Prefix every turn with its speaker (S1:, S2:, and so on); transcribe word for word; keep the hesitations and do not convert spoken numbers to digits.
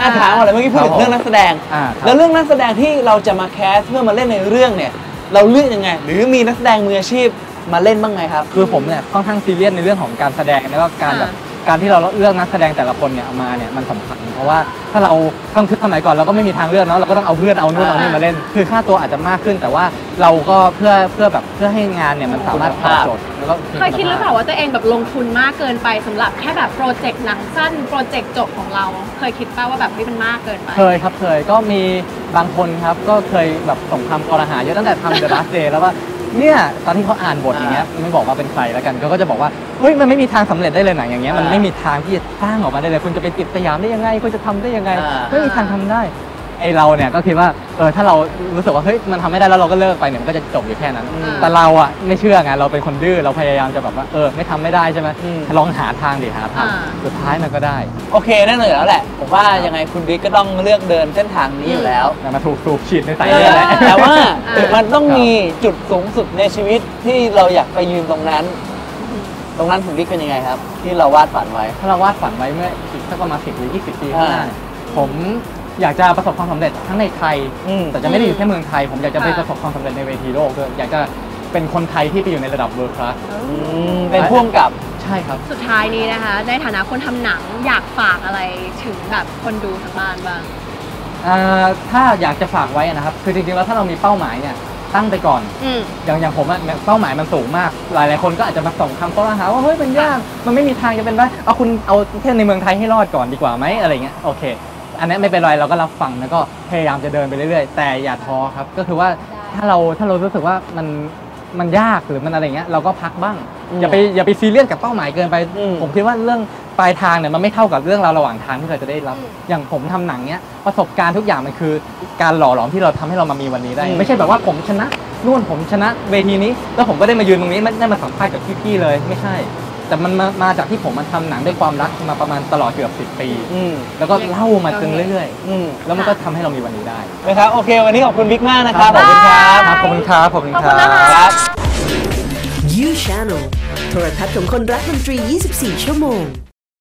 S1: อาถามอะไรเมื่อกี้พูดถึงเรื่องนักแสดงแล้วเรื่องนักแสดงที่เราจะมาแคสเพื่อมาเล่นในเรื่องเนี่ยเราเลือกยังไงหรือมีนักแสดงมืออาชีพมาเล่นบ้างไงครับ
S2: คือผมเนี่ยค่อนข้างซีเรียสในเรื่องของการแสดงแล้วก็การแบบการที่เราเลือกนักแสดงแต่ละคนเนี่ยเอามาเนี่ยมันสำคัญเพราะว่าถ้าเราต้องคิดสมัยก่อนเราก็ไม่มีทางเลือกเนาะเราก็ต้องเอาเพื่อนเอานู่นเอานี่มาเล่นคือค่าตัวอาจจะมากขึ้นแต่ว่าเราก็เพื่อเพื่อแบบเพื่อให้งานเนี่ยมันสามารถตอบโจทย์แล้วก็
S3: เคยคิดหรือเปล่าว่าตัวเองแบบลงทุนมากเกินไปสำหรับแค่แบบโปรเจกต์หนังสั้นโปรเจกต์จบของเราเคยคิดป่ะว่าแบบนี่มันมากเกินไป
S2: เคยครับเคยก็มีบางคนครับก็เคยแบบส่งคำกรหาเยอะตั้งแต่ทำ The Last Day แล้วว่าเนี่ยตอนที่เขาอ่านบทอย่างเงี้ยไม่บอกว่าเป็นใครแล้วกันเขาก็จะบอกว่าเฮ้ยมันไม่มีทางสำเร็จได้เลยหนังอย่างเงี้ยมันไม่มีทางที่จะสร้างออกมาได้เลยคุณจะไปติดสยามได้ยังไงคุณจะทำได้ยังไงไม่มีทางทำได้ไอเราเนี่ยก็คิดว่าเออถ้าเรารู้สึกว่าเฮ้ยมันทำไม่ได้แล้วเราก็เลิกไปเนี่ยมันก็จะจบอยู่แค่นั้นแต่เราอ่ะไม่เชื่อไงเราเป็นคนดื้อเราพยายามจะแบบว่าเออไม่ทำไม่ได้ใช่ไหมลองหาทางดิหาทางสุดท้ายมันก็ได้
S1: โอเคแน่นอนแล้วแหละผมว่ายังไงคุณบิ๊กก็ต้องเลือกเดินเส้นทางนี้อยู่แล้ว
S2: มาถูกสูบฉีดในสายเลือด
S1: แต่ว่ามันต้องมีจุดสูงสุดในชีวิตที่เราอยากไปยืนตรงนั้นตรงนั้นคุณบิ๊กเป็นยังไงครับที่เราวาดฝันไว้
S2: ถ้าเราวาดฝันไว้เมื่ออีกสักประมาณสิบหรือยี่สิบปีข้างหน้าผมอยากจะประสบความสำเร็จทั้งในไทยแต่จะไม่ได้อยู่แค่เมืองไทยผมอยากจะไปประสบความสำเร็จในเวทีโลกด้วยอยากจะเป็นคนไทยที่ไปอยู่ในระดับเวิลด์คลาส
S1: เป็นพ่วงกับ
S2: ใช่ครับ
S3: สุดท้ายนี้นะคะในฐานะคนทำหนังอยากฝากอะไรถึงแบบคนดูทางบ้านบ้าง
S2: ถ้าอยากจะฝากไว้นะครับคือจริงๆแล้วถ้าเรามีเป้าหมายเนี่ยตั้งไปก่อนอย่างอย่างผมอะเป้าหมายมันสูงมากหลายๆคนก็อาจจะมาส่งคำข้อหาว่าเฮ้ยมันยากมันไม่มีทางจะเป็นได้เอาคุณเอาแค่ในเมืองไทยให้รอดก่อนดีกว่าไหมอะไรเงี้ยโอเคอันนี้ไม่เป็นไรเราก็รับฟังแล้วก็พยายามจะเดินไปเรื่อยๆแต่อย่าท้อครับก็คือว่าถ้าเราถ้าเรารู้สึกว่ามันมันยากหรือมันอะไรเงี้ยเราก็พักบ้างอย่าไปอย่าไปซีเรียสกับเป้าหมายเกินไปผมคิดว่าเรื่องปลายทางเนี่ยมันไม่เท่ากับเรื่องราวระหว่างทางที่เราจะได้รับอย่างผมทำหนังเนี้ยประสบการณ์ทุกอย่างมันคือการหล่อหลอมที่เราทำให้เรามามีวันนี้ได้ไม่ใช่แบบว่าผมชนะนู่นผมชนะเวทีนี้แล้วผมก็ได้มายืนตรงนี้ไม่ได้มาสัมภาษณ์กับพี่ๆเลยไม่ใช่แต่มันมามาจากที่ผมมันทำหนังด้วยความรักมาประมาณตลอดเกือบสิบปีแล้วก็เล่ามาจนเรื่อยๆแล้วมันก็ทำให้เรามีวันนี้ได้
S1: นะครับโอเควันนี้ขอบคุณบิ๊กมากนะครับขอบคุณครับ
S2: ขอบคุณครับขอบคุณ
S3: ครับ
S4: You Channel โทรทัศน์ของคนรักดนตรียี่สิบสี่ชั่วโมง